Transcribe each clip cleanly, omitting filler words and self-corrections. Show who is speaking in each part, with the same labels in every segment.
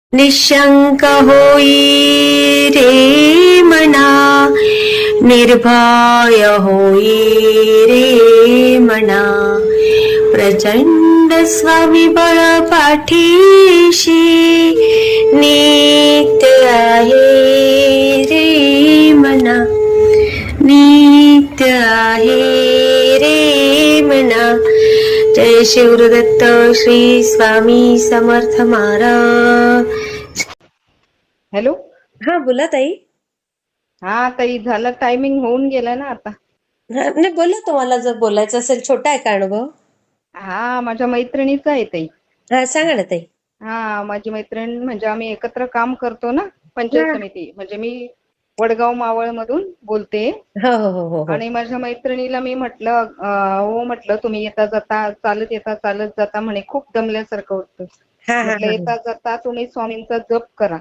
Speaker 1: निशंक होई रे मना, निर्भय होई रे मना, प्रचंड स्वविबळ पाठीशी नित्य आहे रे मना, नित्य आहे रे मना. जय शिवदत्त श्री स्वामी समर्थ महाराज.
Speaker 2: हॅलो.
Speaker 1: हा बोला ताई.
Speaker 2: हा ताई, झालं, टायमिंग होऊन गेला ना आता.
Speaker 1: नाही बोला, तुम्हाला जर बोलायचं असेल. छोटा आहे का अनुभव?
Speaker 2: हा, माझ्या मैत्रिणीचा आहे ताई.
Speaker 1: हा सांगा ना ताई.
Speaker 2: हा, माझी मैत्रीण म्हणजे आम्ही एकत्र काम करतो ना, पंचायत समिती. म्हणजे मी वडगाव मावळ मधून बोलते.
Speaker 1: हो हो हो हो.
Speaker 2: आणि माझ्या मैत्रिणीला मी म्हटलं, हो म्हटलं, तुम्ही येता जाता चालत येता चालत जाता म्हणे, खूप दमल्यासारखं होतं. म्हटलं येता जाता तुम्ही स्वामींचा जप करा.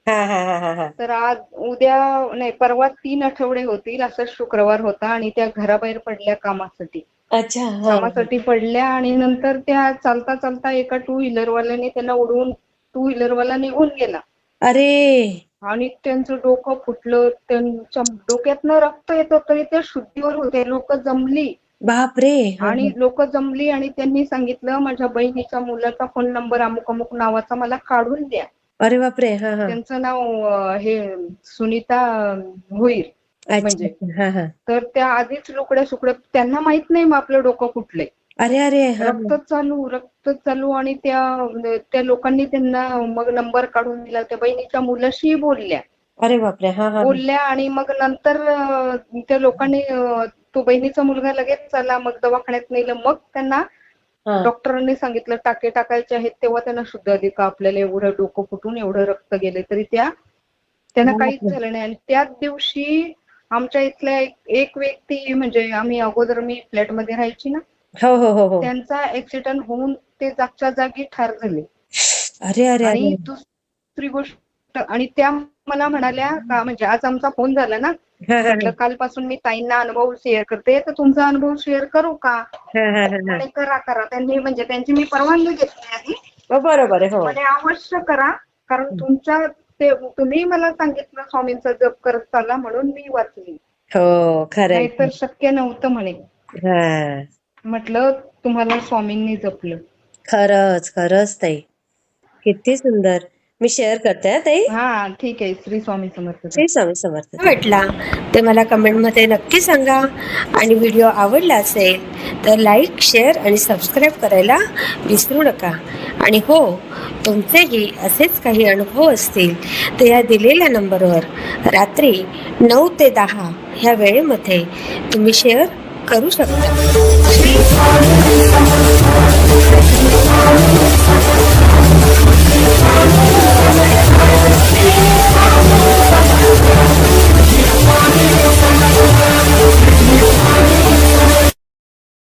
Speaker 2: तर आज उद्या नाही, परवा 3 आठवडे होतील. असं शुक्रवार होता आणि त्या घराबाहेर पडल्या कामासाठी.
Speaker 1: अच्छा.
Speaker 2: कामासाठी पडल्या आणि नंतर त्या चालता चालता एका टू व्हीलरवाल्याने त्यांना उडवून टू व्हीलरवाला निघून गेला.
Speaker 1: अरे.
Speaker 2: आणि त्यांचं डोकं फुटलं, त्यांच्या डोक्यातनं रक्त येत होतं. ते शुद्धीवर होते. लोक जमली.
Speaker 1: बापरे.
Speaker 2: आणि लोक जमली आणि त्यांनी सांगितलं, माझ्या बहिणीच्या मुलाचा फोन नंबर अमुक अमुक नावाचा मला काढून द्या.
Speaker 1: अरे बापरे.
Speaker 2: त्यांचं नाव हे सुनीता भोईर म्हणजे. तर त्या आधीच लुकड्या सुकड्या, त्यांना माहित नाही मग आपलं डोकं फुटलंय.
Speaker 1: अरे अरे.
Speaker 2: रक्त चालू आणि त्या लोकांनी त्यांना मग नंबर काढून दिला. त्या बहिणीच्या मुलाशी बोलल्या.
Speaker 1: अरे बापरे.
Speaker 2: बोलल्या आणि मग नंतर त्या लोकांनी तो बहिणीचा मुलगा लगेच चला, मग दवाखान्यात नेलं. मग त्यांना डॉक्टरांनी सांगितलं टाके टाकायचे आहेत. तेव्हा त्यांना शुद्ध आली का आपल्याला एवढं डोकं फुटून एवढं रक्त गेले तरी त्यांना काहीच झालं नाही. आणि त्याच दिवशी आमच्या इथल्या एक व्यक्ती, म्हणजे आम्ही अगोदर मी फ्लॅटमध्ये राहायची ना, त्यांचा ऍक्सिडेंट होऊन ते जागच्या जागी ठार झाले.
Speaker 1: अरे अरे.
Speaker 2: आणि दुसरी गोष्ट, आणि त्या मला म्हणाल्या का, म्हणजे आज आमचा फोन झाला ना, म्हटलं कालपासून मी ताईंना अनुभव शेअर करते, तर तुमचा अनुभव शेअर करू का? आणि करा. त्यांनी म्हणजे त्यांची मी परवानगी घेतली आधी.
Speaker 1: बरोबर आहे.
Speaker 2: म्हणजे अवश्य करा, कारण तुम्ही मला सांगितलं स्वामींचा जप करत चाला म्हणून मी वाचली.
Speaker 1: हो खरं.
Speaker 2: नाहीतर शक्य नव्हतं म्हणे. म्हटलं तुम्हाला स्वामींनी जपलं.
Speaker 1: खरंच ताई, किती सुंदर. मी शेअर करते ताई.
Speaker 2: हा ठीक आहे. श्री स्वामी समर्थ.
Speaker 1: श्री स्वामी समर्थ. भेटला ते मला कमेंटमध्ये नक्की सांगा. आणि व्हिडिओ आवडला असेल तर लाईक, शेअर आणि सबस्क्राईब करायला विसरू नका. आणि हो, तुमचेही असेच काही अनुभव असतील तर या दिलेल्या नंबरवर रात्री 9 ते 10 ह्या वेळेमध्ये तुम्ही शेअर करू शकता.